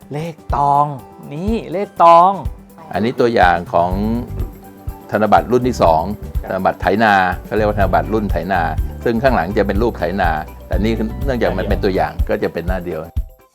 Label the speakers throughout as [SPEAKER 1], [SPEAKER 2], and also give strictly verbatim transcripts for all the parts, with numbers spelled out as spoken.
[SPEAKER 1] เลขตองนี่เลขตอง
[SPEAKER 2] อันนี้ตัวอย่างของธนบัตรรุ่นที่สองธนบัตรไถนาเขาเรียกว่าธนบัตรรุ่นไถนา ซึ่งข้างหลังจะเป็นรูปไถนา แต่นี่เนื่องจากมันเป็นตัวอย่างก็จะเป็นหน้าเดียว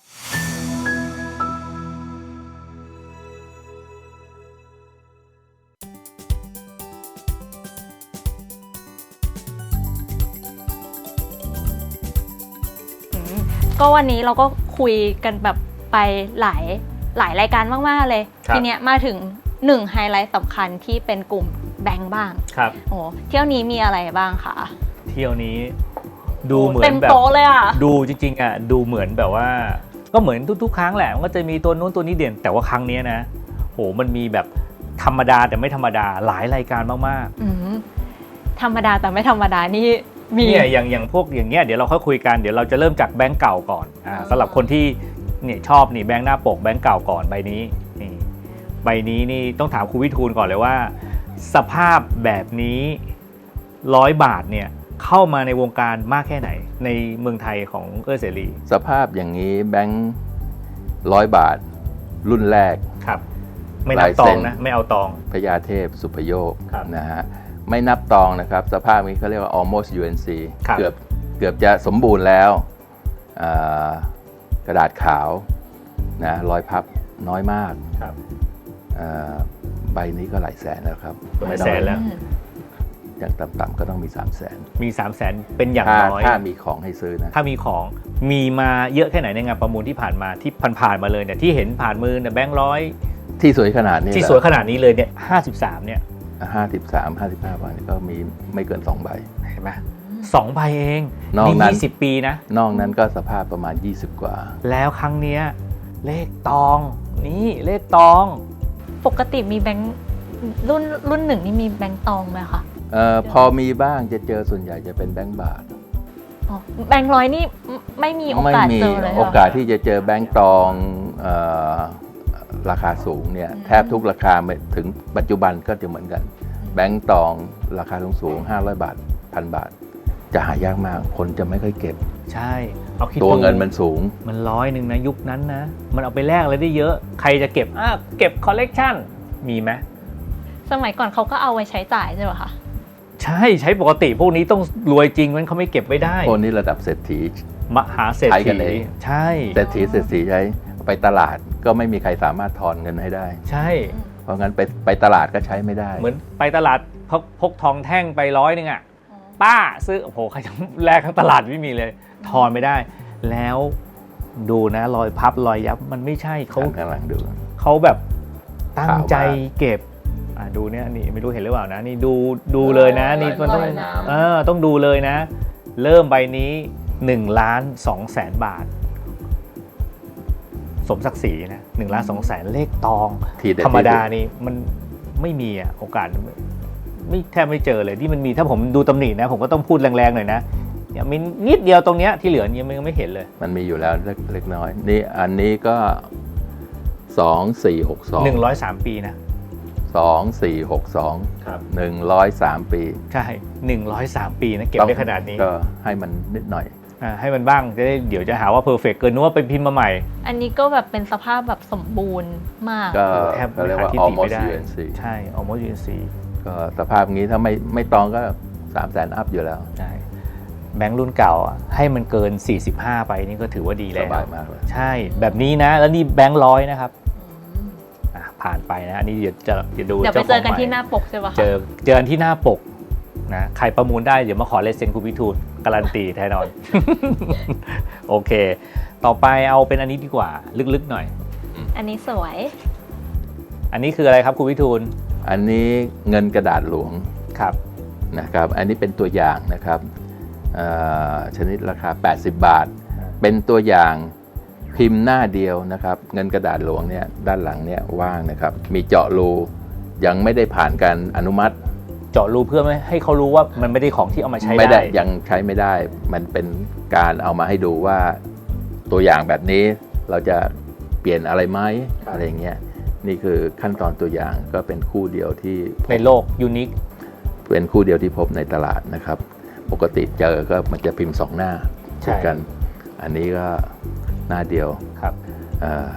[SPEAKER 3] ก็วันนี้เราก็คุยกันแบบไปหลายหลายรายการมากๆเลยทีเนี้ยมาถึงหนึ่งไฮไลท์สำคัญที่เป็นกลุ่มแบงค์บ้าง
[SPEAKER 1] ครับ
[SPEAKER 3] โอ้เที่ยวนี้มีอะไรบ้างคะ
[SPEAKER 1] เที่ยวนี้ดูเหมือน
[SPEAKER 3] เต็ม
[SPEAKER 1] แบบ
[SPEAKER 3] โต๊ะเลยอ่ะ
[SPEAKER 1] ดูจริงๆอ่ะดูเหมือนแบบว่าก็เหมือนทุกๆครั้งแหละมันก็จะมีตัวนู้นตัวนี้เด่นแต่ว่าครั้งนี้นะโหมันมีแบบธรรมดาแต่ไม่ธรรมดาหลายรายการมาก
[SPEAKER 3] ๆธรรมดาแต่ไม่ธรรมดานี่มี
[SPEAKER 1] เนี่ยอย่างอย่างพวกอย่างเงี้ยเดี๋ยวเราค่อยคุยกันเดี๋ยวเราจะเริ่มจากแบงค์เก่าก่อนอ่าสำหรับคนที่เนี่ยชอบนี่แบงค์หน้าปกแบงค์เก่าก่อนใบนี้นี่ใบนี้นี่ต้องถามครูวิทูลก่อนเลยว่าสภาพแบบนี้ร้อยบาทเนี่ยเข้ามาในวงการมากแค่ไหนในเมืองไทยของเอื้อเสรี
[SPEAKER 2] สภาพอย่างนี้แบงค์ร้อยบาทรุ่นแรก
[SPEAKER 1] ครับไม่นับตองนะไม่เอาตอง
[SPEAKER 2] พญาเทพสุภโยคนะฮะไม่นับตองนะครับสภาพนี้เขาเรียกว่า almost ยู เอ็น ซี เกือบเกือบจะสมบูรณ์แล้วกระดาษขาวนะรอยพับน้อยมากใบนี้ก็หลายแสนแล้วครับ
[SPEAKER 1] หลายแสนแล้ว
[SPEAKER 2] อย่างต่ำๆก็ต้องมีสามแสน
[SPEAKER 1] มีสามแสนเป็นอย่างน้อย
[SPEAKER 2] ถ้ามีของให้ซื้อนะ
[SPEAKER 1] ถ้ามีของมีมาเยอะแค่ไหนในงานประมูลที่ผ่านมาที่ผ่านๆมาเลยเนี่ยที่เห็นผ่านมือเนี่ยแบงค์ร้อย
[SPEAKER 2] ที่สวยขนาดนี้
[SPEAKER 1] ที่สวยขนาดนี้เลยเนี่ยห้าสิบสามเนี่ย
[SPEAKER 2] ห้าสิบสาม ห้าสิบห้าใบก็มีไม่เกินสองใบ
[SPEAKER 1] เห็นไหมสองใบเองนี่ยี่สิบปีนะ
[SPEAKER 2] นอกนั้นก็สภาพประมาณยี่สิบกว่า
[SPEAKER 1] แล้วครั้งเนี้ยเลขตองนี่เลขตอง
[SPEAKER 3] ปกติมีแบงค์รุ่นรุ่นหนึ่งนี่มีแบงค์ตองไหมคะ
[SPEAKER 2] เอ่อพอมีบ้างจะเจอส่วนใหญ่จะเป็นแบงค์บาท
[SPEAKER 3] อ๋อแบงค์ร้อยนี่ไม่มีโอกาสเจอเลย
[SPEAKER 2] โอกาสที่จะเจอแบงค์ตองเอ่อราคาสูงเนี่ยแทบทุกราคาถึงปัจจุบันก็จะเหมือนกันแบงค์ตองราคาสูงๆห้าร้อยบาทพันบาทจะหายากมากคนจะไม่ค่อยเก็บ
[SPEAKER 1] ใช่เอาคิด
[SPEAKER 2] ตัวเงินมันสูง
[SPEAKER 1] มันร้อยหนึ่งนะยุคนั้นนะมันเอาไปแลกอะไรได้เยอะใครจะเก็บอ่ะเก็บคอลเลกชันมีไหม
[SPEAKER 3] สมัยก่อนเขาก็เอาไว้ใช้จ่ายใช่ไหมคะ
[SPEAKER 1] ใช่ใช้ปกติพวกนี้ต้องรวยจริงมันเขาไม่เก็บไว้ได้
[SPEAKER 2] พวกนี้ระดับเศรษฐี
[SPEAKER 1] มหาเศรษฐีใช่
[SPEAKER 2] เศรษฐีเศรษฐีใช้ไปตลาดก็ไม่มีใครสามารถทอนเงินให้ได้
[SPEAKER 1] ใช่
[SPEAKER 2] เพราะงั้นไปไปตลาดก็ใช้ไม่ได้
[SPEAKER 1] เหมือนไปตลาดพกพกทองแท่งไปร้อยนึงอ่ะป้าซื้อโอ้โหใครจะแลกทั้งตลาดไม่มีเลยทอนไม่ได้แล้วดูนะรอยพับรอยยับมันไม่ใช่เขา
[SPEAKER 2] กำลังดู
[SPEAKER 1] เขาแบบตั้งใจเก็บอ่ะดูเนี่ยนี่ไม่รู้เห็นหรือเปล่านะนี่ดูดูเลยนะนี่มันต้องเออต้องดูเลยนะเริ่มใบนี้หนึ่งล้านสองแสนบาทสมศักดิ์ศรีนะหนึ่งล้านสองแสนเลขตองธรรมดานี่มันไม่มีอ่ะโอกาสไม่แทบไม่เจอเลยที่มันมีถ้าผมดูตำหนินะผมก็ต้องพูดแรงๆหน่อยนะเนี่ยมีนิดเดียวตรงเนี้ยที่เหลือยังไม่เห็นเลย
[SPEAKER 2] มันมีอยู่แล้วเล็กน้อยนี่อันนี้ก็สองสี่หกสอง
[SPEAKER 1] หนึ่งร้อยสามปีนะ
[SPEAKER 2] สองสี่หกสองครับหนึ่งร้อยสามปี
[SPEAKER 1] ใช่หนึ่งร้อยสามปีนะเก็บได้ขนาดนี้
[SPEAKER 2] ก็ให้มันนิดหน่อย
[SPEAKER 1] อ่าให้มันบ้างจะได้เดี๋ยวจะหาว่าเพอร์เฟกต์เกินนึกว่าไปพิมพ์มาใหม่
[SPEAKER 3] อันนี้ก็แบบเป็นสภาพแบบสมบูรณ์มาก
[SPEAKER 2] ก็แทบเรียกว่า almost ยู เอ็น ซี
[SPEAKER 1] ใช่ almost ยู เอ็น ซี
[SPEAKER 2] ก็สภาพนี้ถ้าไม่ไม่ตองก็สามแสนอัพอยู่แล้ว
[SPEAKER 1] ใช่แบงค์รุ่นเก่าให้มันเกินสี่สิบห้าไปนี่ก็ถือว่าดีแล้ว
[SPEAKER 2] สบายมากเลย
[SPEAKER 1] ใช่แบบนี้นะแล้วนี่แบงค์ร้อยนะครับผ่านไปนะอันนี้เดี๋ยวจะจะดู
[SPEAKER 3] เดี๋ยวไปเจอกันที่หน้าปกใช่ปะ
[SPEAKER 1] เจอเจอกันที่หน้าปกนะใครประมูลได้เดี๋ยวมาขอเลเซนคุณวิทูลการันตีแน่นอนโอเคต่อไปเอาเป็นอันนี้ดีกว่าลึกๆหน่อย
[SPEAKER 3] อันนี้สวย
[SPEAKER 1] อันนี้คืออะไรครับคุณวิทูล
[SPEAKER 2] อันนี้เงินกระดาษหลวง
[SPEAKER 1] ครับ
[SPEAKER 2] นะครับอันนี้เป็นตัวอย่างนะครับชนิดราคาแปดสิบบาทเป็นตัวอย่างพิมพ์หน้าเดียวนะครับเงินกระดาษหลวงเนี่ยด้านหลังเนี่ยว่างนะครับมีเจาะรูยังไม่ได้ผ่านการอนุมัติ
[SPEAKER 1] เจาะรูเพื่อไม่ให้เขารู้ว่ามันไม่ได้ของที่เอามาใช้
[SPEAKER 2] ไม่ได้ยังใช้ไม่ได้มันเป็นการเอามาให้ดูว่าตัวอย่างแบบนี้เราจะเปลี่ยนอะไรไหมอะไรเงี้ยนี่คือขั้นตอนตัวอย่างก็เป็นคู่เดียวที่
[SPEAKER 1] ในโลกยูนิค
[SPEAKER 2] เป็นคู่เดียวที่พบในตลาดนะครับปกติเจอก็มันจะพิมพ์สองหน้าคู่กันอันนี้ก็หน้าเดียว
[SPEAKER 1] ครับ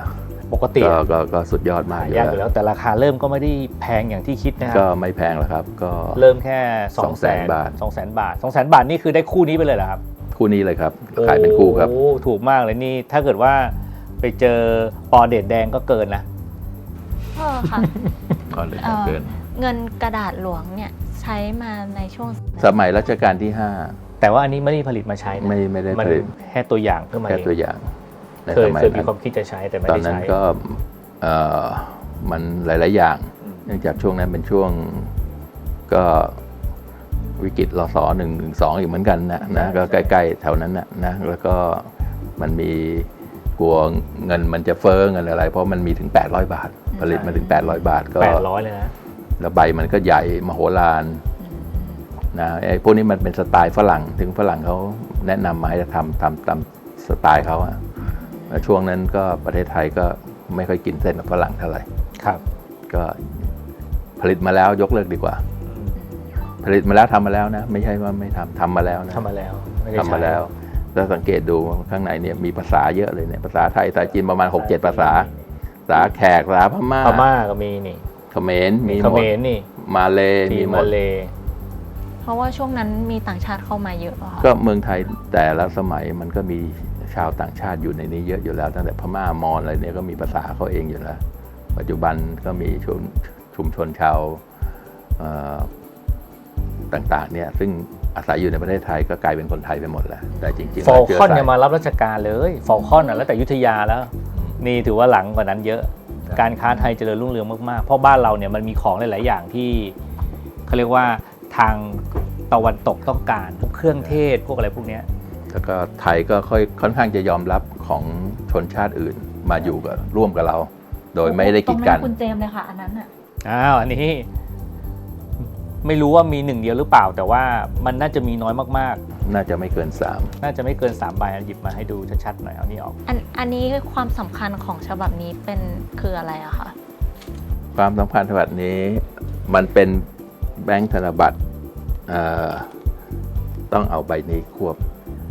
[SPEAKER 1] ปกติ
[SPEAKER 2] ก็ก็ก็สุดยอดมาก
[SPEAKER 1] หายากอยู่แล้วแต่ราคาเริ่มก็ไม่ได้แพงอย่างที่คิดนะครั
[SPEAKER 2] ก็ไม่แพงหรอกครับ ก็
[SPEAKER 1] เริ่มแค่สอง
[SPEAKER 2] สอง
[SPEAKER 1] แส
[SPEAKER 2] แส
[SPEAKER 1] น
[SPEAKER 2] นบาท
[SPEAKER 1] สองแสนบาทสองแสนบาทนี่คือได้คู่นี้ไปเลยเหรอครับ
[SPEAKER 2] คู่นี้เลยครับขายเป็นคู่ครับ
[SPEAKER 1] โอ้ถูกมากเลยนี่ถ้าเกิดว่าไปเจอปอเดดแดงก็เกินนะ
[SPEAKER 3] เออค่ะ
[SPEAKER 2] ก็เลย
[SPEAKER 3] เอ่อ
[SPEAKER 2] เกิน
[SPEAKER 3] เงินกระดาษหลวงเนี่ยใช้มาในช่วง
[SPEAKER 2] สมัยรัชกาลที่ห้า
[SPEAKER 1] แต่ว่าอันนี้ไม่ได้ผลิตมาใช้นะ
[SPEAKER 2] ไม่ไม่ได้
[SPEAKER 1] มัน
[SPEAKER 2] ผลิต
[SPEAKER 1] แค่ตัวอย่างขึ้นมา
[SPEAKER 2] แค่
[SPEAKER 1] เอง
[SPEAKER 2] ตัวอย่างใน
[SPEAKER 1] เค
[SPEAKER 2] ส
[SPEAKER 1] ย
[SPEAKER 2] มัย
[SPEAKER 1] เคยมี
[SPEAKER 2] นั้น
[SPEAKER 1] ความคิดจะใช้แต่ไม่
[SPEAKER 2] ตอน
[SPEAKER 1] ได้
[SPEAKER 2] นั้น
[SPEAKER 1] ใช้
[SPEAKER 2] ก็เอ่อมันหลาย ๆ อย่าง เนื่องจากช่วงนั้นเป็นช่วงก็วิกฤตรสหนึ่งหนึ่งสองอีกเหมือนกันนะนะก็ใกล้ ๆ แถวนั้นนะนะแล้วก็มันมีกลัวเงินมันจะเฟ้อเงินอะไร เพราะมันมีถึง แปดร้อย บาท ผลิตมาถึง แปดร้อย บาทก็
[SPEAKER 1] แปดร้อยเลยนะ
[SPEAKER 2] แล้วใบมันก็ใหญ่มโหฬารนะไอ้พวกนี้มันเป็นสไตล์ฝรั่งถึงฝรั่งเขาแนะนำมาให้ทำทำตามสไตล์เขาอะแล้วช่วงนั้นก็ประเทศไทยก็ไม่ค่อยกินเส้นกับฝรั่งเท่าไหร่
[SPEAKER 1] ครับ
[SPEAKER 2] ก็ผลิตมาแล้วยกเลิกดีกว่า ผลิตมาแล้วทำมาแล้วนะ ไม่ใช่ว่าไม่ทำทำมาแล้วนะ
[SPEAKER 1] ทำมาแล้วไได้
[SPEAKER 2] ทำมา
[SPEAKER 1] ใช้
[SPEAKER 2] แล้วแล้วสังเกตดูข้างในเนี่ยมีภาษาเยอะเลยเนี่ยภาษาไทยภาษาจีนประมาณ หกเจ็ด ภาษาภาษาแขกภาษาพม่า
[SPEAKER 1] พม่าก็มีนี่
[SPEAKER 2] เขมรมี
[SPEAKER 1] เข
[SPEAKER 2] หม
[SPEAKER 1] ม
[SPEAKER 2] ด
[SPEAKER 1] รนี่
[SPEAKER 2] มาเล
[SPEAKER 1] มี
[SPEAKER 2] มีหม
[SPEAKER 1] มา
[SPEAKER 2] ด
[SPEAKER 1] เล
[SPEAKER 3] เพราะว่าช่วงนั้นมีต่างชาติเข้ามาเยอะอะค่ะ
[SPEAKER 2] ก็เมืองไทยแต่ละสมัยมันก็มีชาวต่างชาติอยู่ในนี้เยอะอยู่แล้วตั้งแต่พม่ามอญอะไรเนี่ยก็มีภาษาเขาเองอยู่แล้ว ปัจจุบันก็มีชุมชุมชนชาวเอ่อต่างๆเนี่ยซึ่งอาศัยอยู่ในประเทศไทยก็กลายเป็นคนไทยไปหมดแล้วแต่จริงๆ
[SPEAKER 1] ฟอล
[SPEAKER 2] เชื้
[SPEAKER 1] คอน
[SPEAKER 2] สา
[SPEAKER 1] เนี่ยมารับราชการเลยฟอลคอนอ่ะแล้วแต่อยุธยาแล้ว นี่ถือว่าหลังกว่านั้นเยอะ การค้าไทยเจริญรุ่งเรืองมากๆ เพราะบ้านเราเนี่ยมันมีของหลายๆอย่างที่เขาเรียกว่าทางตะวันตกต้องการพวกเครื่องเทศพวกอะไรพวกเนี้ย
[SPEAKER 2] แล้วก็ไทยก็ค่อยค่อนข้างจะยอมรับของชนชาติอื่นมาอยู่กับร่วมกับเรา โดยไม่ได้กีดกัน
[SPEAKER 3] ตรงนั้นคุณเจมส์เลยค่ะอันนั้นอะ
[SPEAKER 1] อ้าวอันนี้ไม่รู้ว่ามีหนึ่งเดียวหรือเปล่า แต่ว่ามันน่าจะมีน้อยมาก
[SPEAKER 2] น่าจะไม่เกินสาม
[SPEAKER 1] ๆ น่าจะไม่เกินสามใบอ่ะหยิบมาให้ดูชัดๆหน่อยเอานี่ออก
[SPEAKER 3] อันอันนี้ความสำคัญของฉบับนี้เป็นคืออะไรอะคะ
[SPEAKER 2] ความสำคัญฉบับนี้มันเป็นแบงค์ธนบัตรเอ่อต้องเอาใบนี้ควบ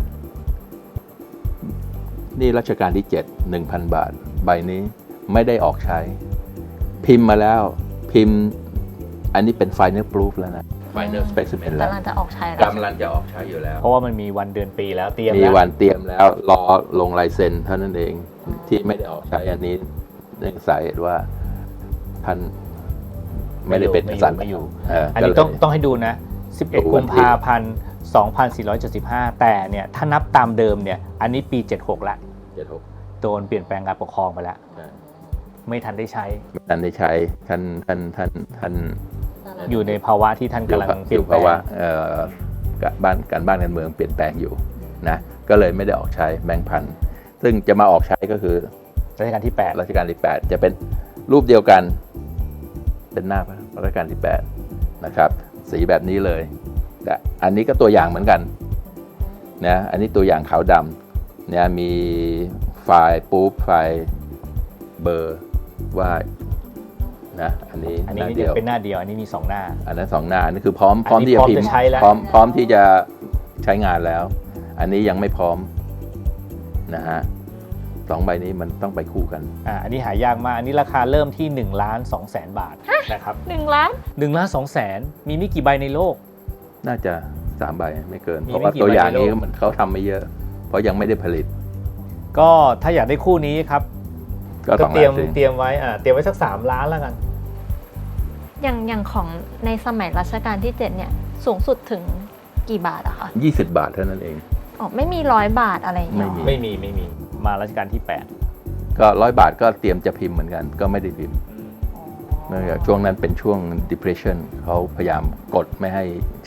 [SPEAKER 2] นี่รัชกาลที่เจ็ด หนึ่งพัน บาท ใบนี้ไม่ได้ออกใช้ พิมพ์มาแล้วพิมพ์อันนี้เป็น Final Proof แล้วนะ Final Specimen แล้ว
[SPEAKER 3] กำลังจะออกใช้แล้ว
[SPEAKER 2] กำลังจะออกใช้อยู่แล้ว
[SPEAKER 1] เพราะว่ามันมีวันเดือนปีแล้วเตรียม
[SPEAKER 2] มี
[SPEAKER 1] แล้ว
[SPEAKER 2] วันเตรียมแล้วรอลงลายเซ็นเท่านั้นเองที่ไม่ได้ออกใช้อันนี้เนื่องสาเหตุว่าท่านไม่ได้เป็นกษัตริย์
[SPEAKER 1] ไม่อยู่
[SPEAKER 2] เ
[SPEAKER 1] อันนี้
[SPEAKER 2] ก็เลย
[SPEAKER 1] ต้องต้องให้ดูนะ สิบเอ็ด
[SPEAKER 2] ดูวั
[SPEAKER 1] กุ
[SPEAKER 2] น
[SPEAKER 1] ม
[SPEAKER 2] ที่
[SPEAKER 1] ภาพันธ์ สองพันสี่ร้อยเจ็ดสิบห้า แต่เนี่ยถ้านับตามเดิมเนี่ยอันนี้ปีเจ็ดสิบหกแล้ว
[SPEAKER 2] เจ็ดหก
[SPEAKER 1] โดนเปลี่ยนแปลงการปกครองไปแล้ว ไม่ทันได้ใช้
[SPEAKER 2] ท่านได้ใช้ท่านท่านท่านท่าน
[SPEAKER 1] อยู่ในภาวะที่ท่านกำลังเปลี่ยนแปล
[SPEAKER 2] ภาวะ
[SPEAKER 1] ง
[SPEAKER 2] เอ่อการบ้านการบ้านการเมืองเปลี่ยนแปลงอยู่นะก็เลยไม่ได้ออกใช้แบงค์พันซึ่งจะมาออกใช้ก็คือ
[SPEAKER 1] รัชกาลที่แปด
[SPEAKER 2] รัชกาลที่แปดจะเป็นรูปเดียวกันเป็นหน้ารัชกาลที่แปดนะครับสีแบบนี้เลยแต่อันนี้ก็ตัวอย่างเหมือนกันนะอันนี้ตัวอย่างขาวดำเนี่ยมีไฟล์ปุ๊บไฟล์เบอร์ว่านะอันนี้
[SPEAKER 1] อัน
[SPEAKER 2] ห
[SPEAKER 1] นี้
[SPEAKER 2] น้า
[SPEAKER 1] นี่
[SPEAKER 2] เดียว
[SPEAKER 1] เป็นหน้าเดียว อันนี้มีสองหน้า
[SPEAKER 2] อันนั้นสองหน้าอันนี้คือพร้อมพร้อม
[SPEAKER 1] อันนี้
[SPEAKER 2] ที่จะพิมพ์
[SPEAKER 1] พร้อมจะใช้แล้ว
[SPEAKER 2] พร้อมพร้อมที่จะใช้งานแล้ว อันนี้ยังไม่พร้อมนะฮะสองใบนี้มันต้องไปคู่กัน
[SPEAKER 1] อ่าอันนี้หายากมากอันนี้ราคาเริ่มที่หนึ่งล้านสองแสนบาทนะครับ
[SPEAKER 3] หนึ่งล้าน
[SPEAKER 1] หนึ่งล้านสองแสนมีไม่กี่ใบในโลก
[SPEAKER 2] น่าจะสามใบไม่เกิน
[SPEAKER 1] มี
[SPEAKER 2] เพราะว่า
[SPEAKER 1] ไม่กี่
[SPEAKER 2] ตัวอย่าง
[SPEAKER 1] ใบในโลก
[SPEAKER 2] นี้มันเขาทำไม่เยอะ เพราะยังไม่ได้ผลิต
[SPEAKER 1] ก็ถ้าอยากได้คู่นี้ครับ
[SPEAKER 2] ก็
[SPEAKER 1] ก็
[SPEAKER 2] สอง
[SPEAKER 1] เตรียม
[SPEAKER 2] ล้าน
[SPEAKER 1] เตรียมไว้อ่าเตรียมไว้สักสามล้านแล้วกัน
[SPEAKER 3] อย่างอย่างของในสมัยรัชกาลที่เจ็ดเนี่ยสูงสุดถึงกี่บาทอะคะ
[SPEAKER 2] ยี่สิบบาทเท่านั้นเอง
[SPEAKER 3] อ๋อไม่มีร้อยบาทอะไรอย่างเงี้ยหรอ
[SPEAKER 1] ไม่มีไม่มีมารัชกาลที่แปด
[SPEAKER 2] ก็ร้อยบาทก็เตรียมจะพิมพ์เหมือนกัน ก็ไม่ได้พิมพ์เนื่องจากช่วงนั้นเป็นช่วง depression เขาพยายามกดไม่ให้ใช้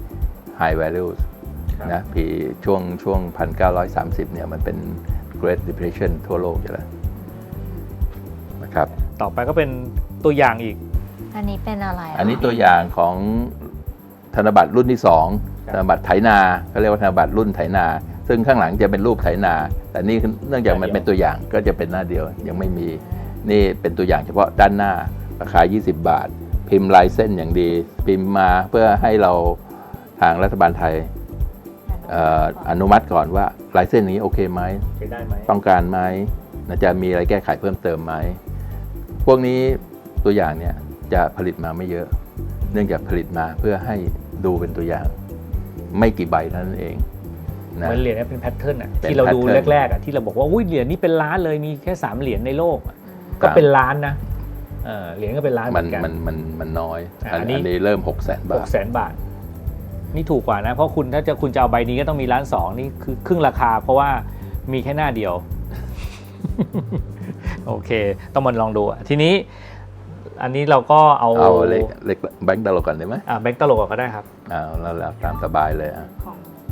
[SPEAKER 2] high values นะพีช่วงช่วง หนึ่งพันเก้าร้อยสามสิบ เนี่ยมันเป็น Great Depression ทั่วโลกอยู่แล้วนะครับ
[SPEAKER 1] ต่อไปก็เป็นตัวอย่างอีก
[SPEAKER 3] อันนี้เป็นอะไระ
[SPEAKER 2] อันนี้ตัวอย่างของธนบัตรรุ่นที่สอง
[SPEAKER 1] ครับ
[SPEAKER 2] ธนบัตรไถนาเขาเรียกว่าธนบัตรรุ่นไถนา ซึ่งข้างหลังจะเป็นรูปไถนา แต่นี่เนื่องจากมันเป็นตัวอย่างก็จะเป็นหน้าเดียวยังไม่มีนี่เป็นตัวอย่างเฉพาะด้านหน้าราคายี่สิบบาท พิมพ์ลายเส้นอย่างดี พิมพ์มาเพื่อให้เราทางรัฐบาลไทยเอ่ออนุมัติก่อนว่าลายเส้นนี้โอเคไหม
[SPEAKER 1] ใช้ได้ไหม
[SPEAKER 2] ต้องการไหมนะจะมีอะไรแก้ไขเพิ่มเติมไหมพวกนี้ตัวอย่างเนี่ยจะผลิตมาไม่เยอะ เนื่องจากผลิตมาเพื่อให้ดูเป็นตัวอย่างไม่กี่ใบเท่านั้นเองนะ
[SPEAKER 1] เหมือนเหรียญเนี่ยเป็นแพทเทิร์นอ่ะ
[SPEAKER 2] เป็น
[SPEAKER 1] ที่เราดู
[SPEAKER 2] pattern
[SPEAKER 1] แรกๆอ่ะที่เราบอกว่าอุ้ยเหรียญนี้เป็นล้านเลยมีแค่สามเหรียญในโลก ก็เป็นล้านนะเออเหรียญก็เป็นล้านเห
[SPEAKER 2] มั
[SPEAKER 1] มื
[SPEAKER 2] น
[SPEAKER 1] อนกัน
[SPEAKER 2] มันมันมันน้อย
[SPEAKER 1] อ่ะ
[SPEAKER 2] อัน
[SPEAKER 1] อันนี้
[SPEAKER 2] อันนี้เริ่มหกแสน
[SPEAKER 1] ห
[SPEAKER 2] บาก ท
[SPEAKER 1] แสนบาท นี่ถูกกว่านะ เพราะคุณถ้าจะคุณจะเอาใบนี้ก็ต้องมีล้านสองนี่คือครึ่งราคา เพราะว่ามีแค่หน้าเดียว โอเค ต้องมาลองดูอ่ะทีนี้ อันนี้เราก็เอา
[SPEAKER 2] เอาเล็กเล็กแบงค์ตลกก่อนได้ไหม
[SPEAKER 1] อ่าแบงค์ตลกก็ได้ครับ
[SPEAKER 2] เอาแล้วแล้วตามสบายเลยอ่ะ
[SPEAKER 3] ของ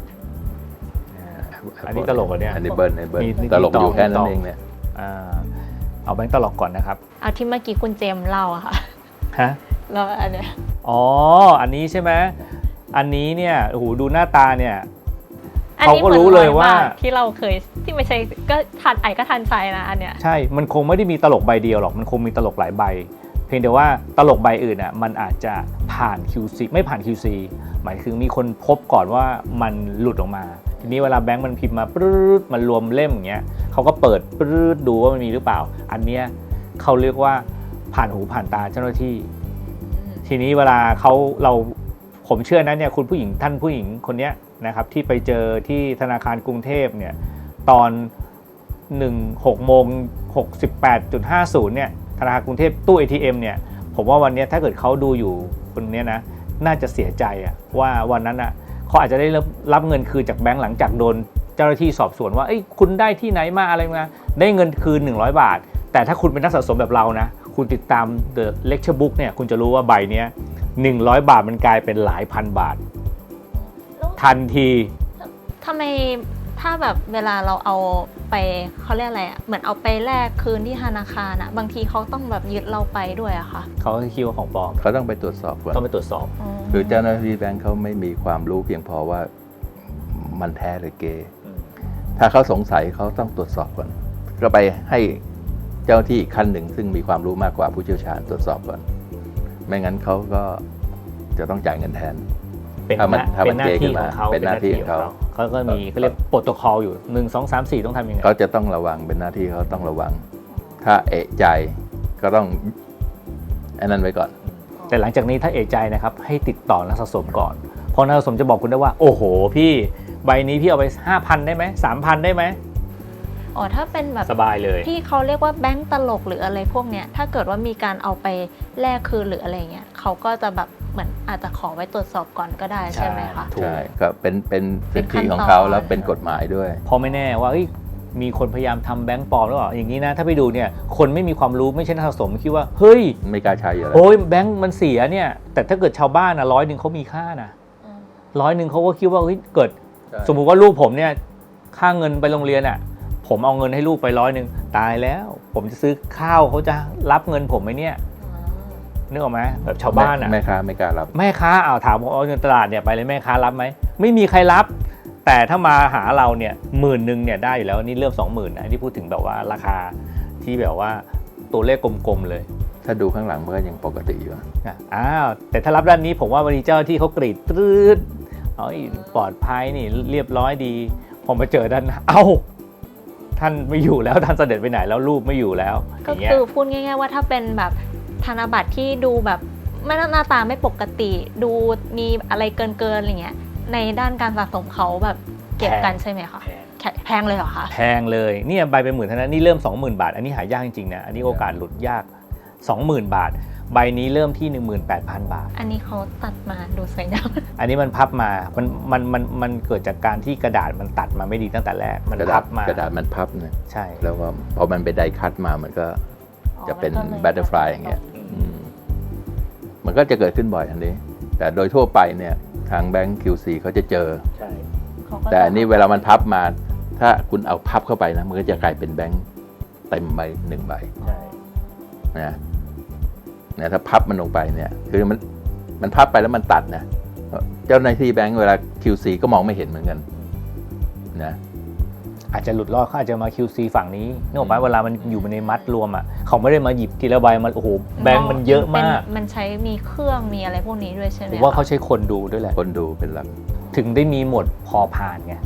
[SPEAKER 1] อันนี้ตลกเหรอเนี่ย
[SPEAKER 2] อันนี้เบิร์นอันนี้เบิร์
[SPEAKER 1] มี
[SPEAKER 2] น
[SPEAKER 1] มี
[SPEAKER 2] ตลกอยู่
[SPEAKER 1] มี
[SPEAKER 2] แค่
[SPEAKER 1] ต่
[SPEAKER 2] นั้
[SPEAKER 1] อ
[SPEAKER 2] นเองเนี่ย
[SPEAKER 1] อ่าเอาแบงค์ตลกก่อนนะครับ
[SPEAKER 3] เอาที่เมื่อกี้คุณเจมส์เล่าอะค่ะ
[SPEAKER 1] ฮะ
[SPEAKER 3] แล้วอันเนี้ย
[SPEAKER 1] อ๋ออันนี้ใช่ไหมอันนี้เนี่ยโอ้โหดูหน้าตาเนี่ย
[SPEAKER 3] อัน
[SPEAKER 1] เขา
[SPEAKER 3] นี้
[SPEAKER 1] ก็
[SPEAKER 3] หมือน
[SPEAKER 1] รู้เลยว่า
[SPEAKER 3] ร้อบทที่เราเคยที่ไม่ใช่ก็ทันไอก็ทันใจนะอันเนี้ย
[SPEAKER 1] ใช่ มันคงไม่ได้มีตลกใบเดียวหรอก มันคงมีตลกหลายใบ เพียงแต่ว่าตลกใบอื่นอ่ะ มันอาจจะผ่าน คิว ซี ไม่ผ่าน คิว ซี หมายถึงมีคนพบก่อนว่ามันหลุดออกมา ทีนี้เวลาแบงค์มันพิมพ์มาปรื๊ดมันรวมเล่มอย่างเงี้ยเขาก็เปิดปรื๊ดดูว่ามันมีหรือเปล่า อันเนี้ยเขาเรียกว่าผ่านหูผ่านตาเจ้าหน้าที่ ทีนี้เวลาเขาเราผมเชื่อนะเนี่ยคุณผู้หญิงท่านผู้หญิงคนเนี้ยนะครับที่ไปเจอที่ธนาคารกรุงเทพเนี่ยตอนหนึ่ง หกโมงหกสิบแปดจุดห้าศูนย์เนี่ยธนาคารกรุงเทพตู้ เอ ที เอ็ม เนี่ยผมว่าวันนี้ถ้าเกิดเขาดูอยู่คนเนี้ยนะน่าจะเสียใจอะว่าวันนั้นอะเขาอาจจะได้รับรับเงินคืนจากแบงก์หลังจากโดนเจ้าหน้าที่สอบสวนว่าเอ้ยคุณได้ที่ไหนมาอะไรมาได้เงินคืนหนึ่งร้อยบาทแต่ถ้าคุณเป็นนักสะสมแบบเรานะคุณติดตาม The Lecture Book เนี่ยคุณจะรู้ว่าใบเนี้ยหนึ่งร้อยบาทมันกลายเป็นหลายพันบาท ทันที
[SPEAKER 3] ทำไมถ้าแบบเวลาเราเอาไปเขาเรียกอะไรอะเหมือนเอาไปแลกคืนที่ธนาคารอะบางทีเขาต้องแบบยึดเราไปด้วยอะค่ะ
[SPEAKER 1] เขาคิดว่าของปลอม
[SPEAKER 2] เขาต้องไปตรวจสอบก่อน
[SPEAKER 1] ต้องไปตรวจสอบ
[SPEAKER 2] คือเจ้าหน้าที่แบงค์เขาไม่มีความรู้เพียงพอว่ามันแท้หรือเกถ้าเขาสงสัยเขาต้องตรวจสอบก่อนก็ไปให้เจ้าหน้าที่อีกขั้นหนึ่งซึ่งมีความรู้มากกว่าผู้เชี่ยวชาญตรวจสอบก่อนไม่งั้นเขาก็จะต้องจ่ายเงินแทน
[SPEAKER 1] เป็น
[SPEAKER 2] ถ้ามัน
[SPEAKER 1] หน้า
[SPEAKER 2] ถ้า
[SPEAKER 1] เป็
[SPEAKER 2] มัน
[SPEAKER 1] นหน้า
[SPEAKER 2] เจ๊ขึ้
[SPEAKER 1] ที่
[SPEAKER 2] น
[SPEAKER 1] ข
[SPEAKER 2] มา
[SPEAKER 1] องเขา
[SPEAKER 2] เป็นหน้าที่ของเขา
[SPEAKER 1] เขาก็มีเขาเรียกโปรโตคอลอยู่หนึ่งสองสามสี่ต้องทำยังไง
[SPEAKER 2] เขาจะต้องระวังเป็นหน้าที่เขาต้องระวัง ถ้าเอะใจก็ต้องอันนั้นไว้ก่อน
[SPEAKER 1] แต่หลังจากนี้ถ้าเอะใจนะครับให้ติดต่อนักสะสมก่อนเพราะนักสะสมจะบอกคุณได้ว่าโอ้โหพี่ใบนี้พี่เอาไป ห้าพัน ได้ไหม สามพัน ได้ไหม
[SPEAKER 3] อ๋อถ้าเป็นแบบ
[SPEAKER 1] สบายเลย
[SPEAKER 3] ที่เขาเรียกว่าแบงก์ตลกหรืออะไรพวกเนี้ยถ้าเกิดว่ามีการเอาไปแลกคืนหรืออะไรเงี้ยเขาก็จะแบบเหมือนอาจจะขอไว้ตรวจสอบก่อนก็ได้ใช่ไหมคะ
[SPEAKER 1] ถูก
[SPEAKER 2] ใช่ก็เป็นเป็น
[SPEAKER 3] เป็
[SPEAKER 2] สิ
[SPEAKER 3] น
[SPEAKER 2] ท
[SPEAKER 3] ขั้
[SPEAKER 2] ธิ
[SPEAKER 3] นตอน
[SPEAKER 2] ของเขาแล้วเป็นกฎหมายด้วย
[SPEAKER 1] เพราะไม่แน่ว่าเฮ้ยมีคนพยายามทำแบงก์ปลอมหรือเปล่าอย่างนี้นะถ้าไปดูเนี่ยคนไม่มีความรู้ไม่ใช่นักสะสมคิดว่าเฮ้ย
[SPEAKER 2] ไม่กล้าใช้อยู่แล้ว
[SPEAKER 1] โอ้ยแบงก์มันเสียเนี่ยแต่ถ้าเกิดชาวบ้านนะร้อยหนึ่งเขามีค่านะร้อยหนึ่งเขาก็คิดว่าเฮ้ยเกิด สมมุติว่าลูกผมเนี่ยค่าเงินไปโรงเรียนอ่ะผมเอาเงินให้ลูกไปร้อยหนึ่งตายแล้ว ผมจะซื้อข้าวเขาจะรับเงินผมไหมเนี่ยนึกออกไหมแบบชาวบ้านอ่ะ
[SPEAKER 2] แม่ค้าไม่กล้ารับ
[SPEAKER 1] แม่ค้าเอาถามว่าเอาเงินตลาดเนี่ยไปเลยแม่ค้ารับไหมไม่มีใครรับ แต่ถ้ามาหาเราเนี่ยหมื่นหนึ่งเนี่ยได้อยู่แล้วนี่เริ่มสองหมื่นนะที่พูดถึงแบบว่าราคาที่แบบว่าตัวเลขกลมๆเลย
[SPEAKER 2] ถ้าดูข้างหลังมันก็ยังปกติอยู่
[SPEAKER 1] อ่ะอ้าวแต่ถ้ารับด้านนี้ผมว่าวันนี้เจ้าที่เขากรีดตรืดเอาปลอดภัยนี่เรียบร้อยดีพอมาเจอด้านหน้าเอ้าท่านไม่อยู่แล้วท่านเสด็จไปไหนแล้วรูปไม่อยู่แล้วอ
[SPEAKER 3] ก็
[SPEAKER 1] ย่างเงี้ย
[SPEAKER 3] คือพูดง่ายๆว่าถ้าเป็นแบบธนบัตรที่ดูแบบไม่หน้าตาไม่ปกติ ดูมีอะไรเกินๆอะไรเงี้ยในด้านการสะสมเขาแบบเก็บกันใช่ไหมคะแพงแพงเลยเหรอคะ
[SPEAKER 1] แพงเลยเนี่ยใบเป็นหมื่นเท่านั้นนี่เริ่ม สองหมื่น บาท อันนี้หายากจริงๆนะอันนี้โอกาสหลุดยาก สองหมื่น บาท ใบนี้เริ่มที่ หนึ่งหมื่นแปดพัน บาท
[SPEAKER 3] อันนี้เขาตัดมาดูสวยงาม
[SPEAKER 1] อันนี้มันพับมามันมันมันมันเกิดจากการที่กระดาษมันตัดมาไม่ดีตั้งแต่แรกมัน
[SPEAKER 2] กระดา
[SPEAKER 1] พั
[SPEAKER 2] ษ
[SPEAKER 1] บมาก
[SPEAKER 2] ระดาษมันพับนะ
[SPEAKER 1] ใช่
[SPEAKER 2] แล้วก็พอมันไปไดคัตมามันก็จะเป็นบัตเตอร์ฟลายอย่างเงี้ยอืมมันก็จะเกิดขึ้นบ่อยอันนี้ แต่โดยทั่วไปเนี่ยทางแบงก์ คิว ซี เขาจะเจอ
[SPEAKER 1] ใช่
[SPEAKER 3] เขาก็
[SPEAKER 2] แต่อันนี้เวลามันพับมา ถ้าคุณเอาพับเข้าไปนะมันก็จะกลายเป็นแบงก์เต็มใบหนึ่งใบ
[SPEAKER 1] ใช่
[SPEAKER 2] นะเนี่ยถ้าพับมันลงไปเนี่ยคือมันมันพับไปแล้วมันตัดนะเจ้าหน้าที่แบงก์เวลา คิว ซี ก็มองไม่เห็นเหมือนกันนะ
[SPEAKER 1] อาจจะหลุดรอดเขาอาจจะมา คิว ซี ฝั่งนี้นึกออกไหมเวลามันอยู่ในมัดรวมอ่ะเขาไม่ได้มาหยิบทีละใบมันโอ้โหแบงค์มันเยอะมาก
[SPEAKER 3] มันใช้มีเครื่องมีอะไรพวกนี้ด้วยใช่ไหม
[SPEAKER 1] ผมว่าเขาใช้คนดูด้วยแหละ
[SPEAKER 2] คนดูเป็นหลัก
[SPEAKER 1] ถึงได้มีหมวดพอผ่านไง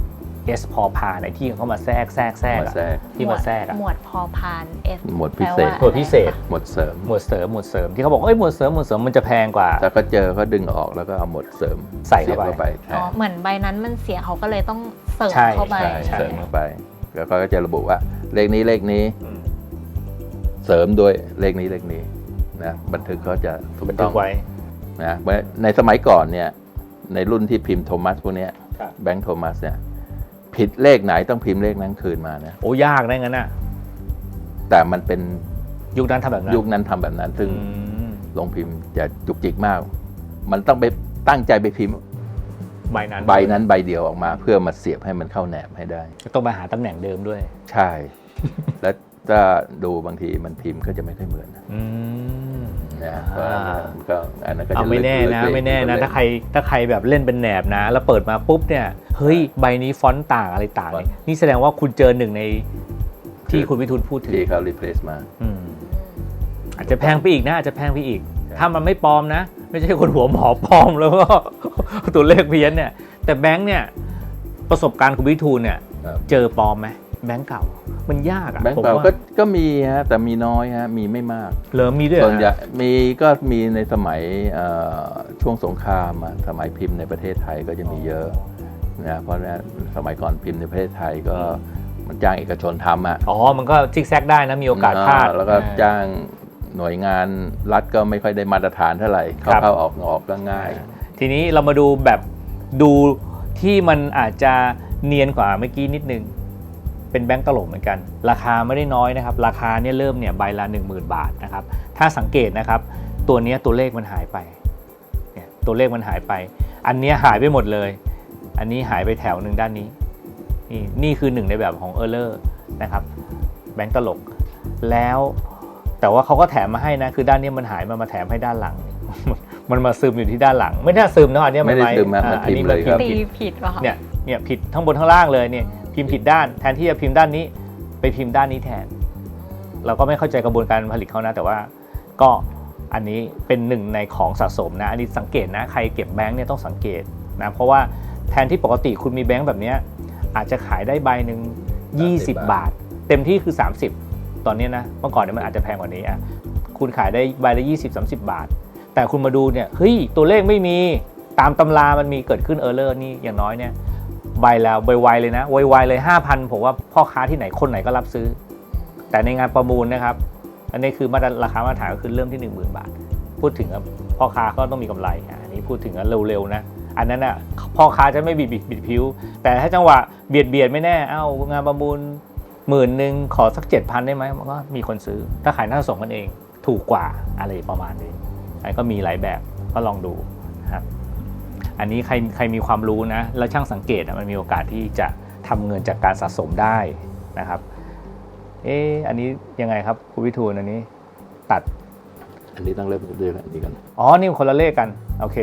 [SPEAKER 1] S พอพานไอ้ที่เขามาแทรกแทรกแทรก
[SPEAKER 2] มา
[SPEAKER 1] อะ
[SPEAKER 2] แทรก
[SPEAKER 1] ที่มาแทรกอะ
[SPEAKER 3] หมวดพอพานเอส
[SPEAKER 2] หมวดพิเศษ
[SPEAKER 1] หมวดพิเศษ
[SPEAKER 2] หมวดเสริม
[SPEAKER 1] หมวดเสริมหมวดเสริมที่เขาบอกเอ้ยหมวดเสริมหมวดเสริมมันจะแพงกว่า
[SPEAKER 2] ถ้าเขาเจอเขาดึงออกแล้วก็เอาหมวดเสริม
[SPEAKER 1] ใส่เข้าไป
[SPEAKER 2] สียบไปแท
[SPEAKER 3] อ๋อน เหมือนใบนั้นมันเสียเขาก็เลยต้องเสริม
[SPEAKER 1] ใช่
[SPEAKER 3] เข้าไป
[SPEAKER 2] ใช่
[SPEAKER 1] ใช่
[SPEAKER 2] เสริมเข้าไป แล้วก็จะระบุว่าเลขนี้เลขนี้
[SPEAKER 1] อืม
[SPEAKER 2] เสริมด้วยเลขนี้เลขนี้นะบันทึกเขาจะถูก
[SPEAKER 1] บัน
[SPEAKER 2] ต้
[SPEAKER 1] ทึ
[SPEAKER 2] อง
[SPEAKER 1] กไว้
[SPEAKER 2] นะในสมัยก่อนเนี่ยในรุ่นที่พิมพ์โทมัสพวกเนี้ย
[SPEAKER 1] ครับ
[SPEAKER 2] แบงค์โทมัสเนี่ยผิดเลขไหนต้องพิมพ์เลขนั้นคืนมานะ
[SPEAKER 1] โอ้ยากนะงั้นน่ะ
[SPEAKER 2] แต่มันเป็น
[SPEAKER 1] ยุคนั้นทำแบบนั้น
[SPEAKER 2] ยุคนั้นทำแบบนั้น ซึ่ง
[SPEAKER 1] อืม
[SPEAKER 2] ลงพิมพ์จะจุกจิกมาก มันต้องไปตั้งใจไปพิมพ์
[SPEAKER 1] ใบนั้น
[SPEAKER 2] ใบนั้นใบเดียวออกมา เพื่อมาเสียบให้มันเข้าแหนบให้ได้
[SPEAKER 1] ต้องมาหาตำแหน่งเดิมด้วย
[SPEAKER 2] ใช่ แล้วถ้าดูบางทีมันพิมพ์ก็จะไม่ค่อยเหมือนนะ
[SPEAKER 1] อืม
[SPEAKER 2] นะเพราะฉะนั้นก็อันนั้นก็
[SPEAKER 1] เอา
[SPEAKER 2] จะ
[SPEAKER 1] ไม่แน่
[SPEAKER 2] ลึกๆ
[SPEAKER 1] นะ
[SPEAKER 2] ลึกๆ
[SPEAKER 1] ไม่แน่นะ
[SPEAKER 2] ลึกๆ
[SPEAKER 1] ถ้าใครถ้าใครแบบเล่นเป็นแหนบนะ แล้วเปิดมาปุ๊บเนี่ยเฮ้ยใบนี้ฟอนต์ต่างอะไรต่างเนี่ยนี่แสดงว่าคุณเจอหนึ่งในที่คุณวิทูลพูดถึง
[SPEAKER 2] ที่เขา replace มา
[SPEAKER 1] อืมอาจจะแพงไปอีกนะอาจจะแพงไปอีก ถ้ามันไม่ปลอมนะ ไม่ใช่คนหัวหมอปลอมแล้วก็ ตัวเลขเพี้ยนเนี่ย แต่แบงค์เนี่ยประสบการณ์คุณวิทูลเนี่ย
[SPEAKER 2] ครับ
[SPEAKER 1] เจอปลอมไหมแบงค์เก่ามันยากอะ
[SPEAKER 2] แบงค์
[SPEAKER 1] ผม
[SPEAKER 2] เก่า
[SPEAKER 1] ว่า
[SPEAKER 2] ก็ก็มีฮะแต่มีน้อยฮะมีไม่มาก
[SPEAKER 1] เหลิมมีด้วยเหร
[SPEAKER 2] ส่
[SPEAKER 1] อ
[SPEAKER 2] วนใหญ่
[SPEAKER 1] ฮะ
[SPEAKER 2] มีก็มีในสมัยเอ่อช่วงสงครามอะสมัยพิมพ์ในประเทศไทยก็จะมีเยอะนะเพราะว่าสมัยก่อนพิมพ์ในประเทศไทยก็มันจ้างเอกชนทำอ่ะ
[SPEAKER 1] อ๋อมันก็ซิกแซกได้นะมีโอกาสพลาด
[SPEAKER 2] แล้วก็จ้างหน่วยงานรัฐก็ไม่ค่อยได้มาตรฐานเท่าไหร่
[SPEAKER 1] ครับ
[SPEAKER 2] เข้าๆออกออกก็ง่าย
[SPEAKER 1] ทีนี้เรามาดูแบบดูที่มันอาจจะเนียนกว่าเมื่อกี้นิดนึงเป็นแบงก์ตลกเหมือนกัน ราคาไม่ได้น้อยนะครับราคาเนี่ยเริ่มเนี่ยใบละ หนึ่งหมื่น บาทนะครับถ้าสังเกตนะครับตัวเนี้ยตัวเลขมันหายไปเนี่ยตัวเลขมันหายไป อันเนี้ยหายไปหมดเลย อันนี้หายไปแถวหนึ่งด้านนี้นี่นี่คือหนึ่งในแบบของ Error นะครับแบงก์ตลกแล้วแต่ว่าเขาก็แถมมาให้นะคือด้านนี้มันหายมามาแถมให้ด้านหลัง มันมาซึมอยู่ที่ด้านหลัง ไม่น่าซึมนะอันเนี้ย
[SPEAKER 2] ไม่ได้
[SPEAKER 1] ว้
[SPEAKER 2] ซึมนะ
[SPEAKER 1] อ่า
[SPEAKER 2] มัน
[SPEAKER 1] อัน
[SPEAKER 2] พิม
[SPEAKER 1] นี้
[SPEAKER 2] พ์เลยครับ
[SPEAKER 3] ตี
[SPEAKER 1] ผิด
[SPEAKER 3] ผิดป่ะคะ
[SPEAKER 1] เนี่ยเนี่ยผิดทั้งบนทั้งล่างเลยเนี่ยพิมพ์ผิดด้านแทนที่จะพิมพ์ด้านนี้ไปพิมพ์ด้านนี้แทน เราก็ไม่เข้าใจกระบวนการผลิตเขานะแต่ว่าก็อันนี้เป็นหนึ่งในของสะสมนะอันนี้สังเกตนะใครเก็บแบงค์เนี่ยต้องสังเกตนะเพราะว่าแทนที่ปกติคุณมีแบงค์แบบเนี้ยอาจจะขายได้ใบหนึ่งยี่สิบบาท เต็มที่คือสามสิบตอนนี้นะเมื่อก่อนเนี่ยมันอาจจะแพงกว่านี้อ่ะคุณขายได้ใบละยี่สิบ สามสิบบาท แต่คุณมาดูเนี่ยเฮ้ยตัวเลขไม่มีตามตำรามันมีเกิดขึ้นเออร์เลอร์นี่อย่างน้อยเนี่ยใบแล้วไวๆเลยนะไวๆเลย ห้าพัน ผมว่าพ่อค้าที่ไหนคนไหนก็รับซื้อ แต่ในงานประมูลนะครับอันนี้คือมาตรราคามาตรฐานก็คือเริ่มที่ หนึ่งหมื่น บาท พูดถึงพ่อค้าก็ต้องมีกำไรอันนี้พูดถึงเร็วๆนะอันนั้นอ่ะพ่อค้าจะไม่บิดบิดบิดผิวแต่ถ้าจังหวะเบียดเบียดไม่แน่เอ้างานประมูลหมื่นหนึ่งขอสัก เจ็ดพัน ได้ไหมมันก็มีคนซื้อถ้าขายหน้าส่งกันเองถูกกว่าอะไรประมาณนี้อันก็มีหลายแบบก็ลองดูนะครับอันนี้ใครใครมีความรู้นะแล้วช่างสังเกตมันมีโอกาสที่จะทำเงินจากการสะสมได้นะครับเอ๊ะอันนี้ยังไงครับคุณวิทูลอันนี้ตัด
[SPEAKER 2] อันนี้ต้องเริ่มด้วยอันนี้กัน
[SPEAKER 1] อ๋อนี่คนละเลขกันโอเค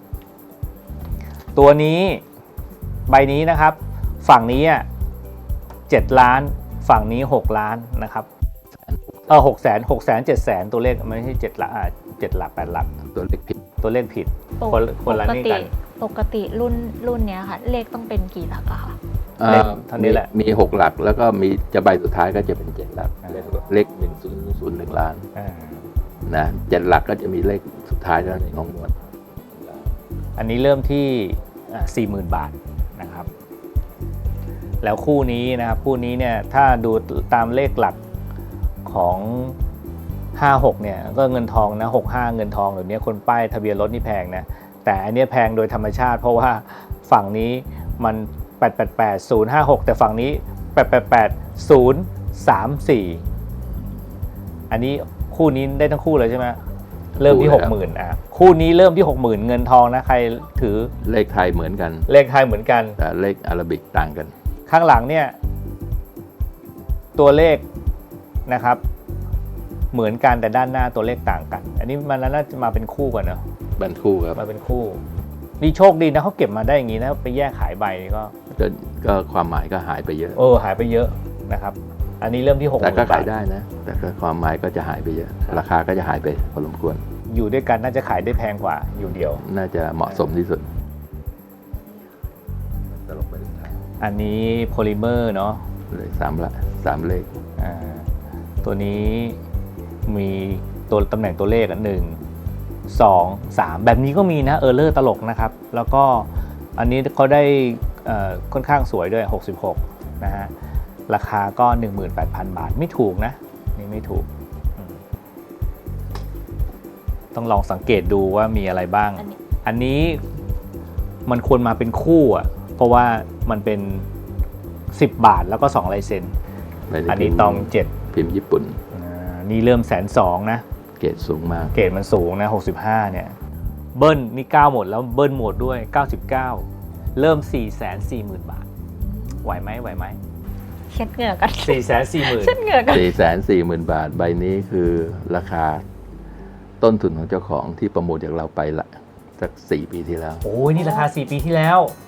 [SPEAKER 1] ตัวนี้ใบนี้นะครับฝั่งนี้อ่ะเจ็ดล้านฝั่งนี้หกล้านนะครับเออหกแสนหกแสนเจ็ดแสนตัวเลขไม่ใช่เจ็ดหลักอ่าเจ็ดหลักแปดหลัก
[SPEAKER 2] ตัวเลขผิด
[SPEAKER 1] ตัวเลขผิด
[SPEAKER 3] ปก
[SPEAKER 1] คนคนละ
[SPEAKER 3] ปก
[SPEAKER 1] นี่
[SPEAKER 3] ติ
[SPEAKER 1] กัน
[SPEAKER 3] ปกติรุ่นรุ่นเนี้ยค่ะ เลขต้องเป็นกี่หลักอะคะ
[SPEAKER 1] เลขเท่านี้แหละ
[SPEAKER 2] มีหกหลักแล้วก็มีจะใบสุดท้ายก็จะเป็นเจ็ดหลัก
[SPEAKER 1] อ่า
[SPEAKER 2] เลขหนึ่งศูนย์ศูนย์หนึ่งล้าน
[SPEAKER 1] อ่า
[SPEAKER 2] นะเจ็ดหลักก็จะมีเลขสุดท้ายแล้วในของหมวด
[SPEAKER 1] อันนี้เริ่มที่สี่หมื่นบาทนะครับแล้วคู่นี้นะครับคู่นี้เนี่ยถ้าดูตามเลขหลักของห้าหกเนี่ยก็เงินทองนะหกสิบห้าเงินทองเดี๋ยวนี้คนป้ายทะเบียนรถนี่แพงนะแต่อันนี้แพงโดยธรรมชาติเพราะว่าฝั่งนี้มันแปด แปด แปด ศูนย์ ห้า หกแต่ฝั่งนี้แปด แปด แปด ศูนย์ สาม สี่อันนี้คู่นี้ได้ทั้งคู่เลยใช่ไหมเริ่มที่ หกหมื่น อ่ะคู่นี้เริ่มที่ หกหมื่น เงินทองนะใครถือ
[SPEAKER 2] เลขไทยเหมือนกัน
[SPEAKER 1] เลขไทยเหมือนกัน
[SPEAKER 2] แต่เลขอาราบิกต่างกัน
[SPEAKER 1] ข้างหลังเนี่ยตัวเลขนะครับเหมือนกันแต่ด้านหน้าตัวเลขต่างกัน อันนี้มันน่าจะมาเป็นคู่กันเนอะ
[SPEAKER 2] บันคู่ครับ
[SPEAKER 1] มาเป็นคู่นี่โชคดีนะเขาเก็บมาได้อย่างนี้นะไปแยกขายใบก็
[SPEAKER 2] ก็ก็ความหมายก็หายไปเยอะ
[SPEAKER 1] เออหายไปเยอะนะครับอันนี้เริ่มที่หกห
[SPEAKER 2] แต่
[SPEAKER 1] มื่
[SPEAKER 2] ก็
[SPEAKER 1] น
[SPEAKER 2] ขา
[SPEAKER 1] บาย ท
[SPEAKER 2] ได้นะ แต่ก็ความหมายก็จะหายไปเยอะ ราคาก็จะหายไปพอสมควร
[SPEAKER 1] อยู่ด้วยกันน่าจะขายได้แพงกว่าอยู่เดียว
[SPEAKER 2] น่าจะเหมาะสมที่สุดตลกไปถึงทาง
[SPEAKER 1] อันนี้โพลิเมอร์เนาะ
[SPEAKER 2] เลยสามละสามเลข
[SPEAKER 1] อ่าตัวนี้มีตัวตำแหน่งตัวเลขอ่ะหนึ่งสองสามแบบนี้ก็มีนะเออร์เลอร์ตลกนะครับแล้วก็อันนี้เขาได้เอ่อค่อนข้างสวยด้วยหกสิบหกนะฮะราคาก็ หนึ่งหมื่นแปดพัน บาทไม่ถูกนะนี่ไม่ถูกอืมต้องลองสังเกตดูว่ามีอะไรบ้าง
[SPEAKER 3] อันนี้
[SPEAKER 1] อันนี้มันควรมาเป็นคู่อ่ะเพราะว่ามันเป็นสิบบาทแล้วก็สองลายเซ็น
[SPEAKER 2] ใบเลข
[SPEAKER 1] อันนี้ตองเจ็ด
[SPEAKER 2] พิมพ์ญี่ปุ่น
[SPEAKER 1] อ่านี่เริ่มแสนสองนะ
[SPEAKER 2] เกรดสูงมาก
[SPEAKER 1] เกรดมันสูงนะหกสิบห้าเนี่ยเบิ้ลนี่เก้าหมดแล้วเบิ้ลหมดด้วยเก้าสิบเก้าเริ่ม สี่แสนสี่หมื่น บาทไหวไหมไหวไหม
[SPEAKER 3] เช็ดเหงื่อกัน
[SPEAKER 1] สี่แสนสี่หมื่น
[SPEAKER 3] เช็ดเหงื่อกัน
[SPEAKER 2] สี่แสนสี่หมื่น บาท ใบนี้คือราคาต้นทุนของเจ้าของที่ประมูลจากเราไปละสักสี่ปีที่แล้ว
[SPEAKER 1] โอ้ยนี่ราคาสี่ปีที่แล้ว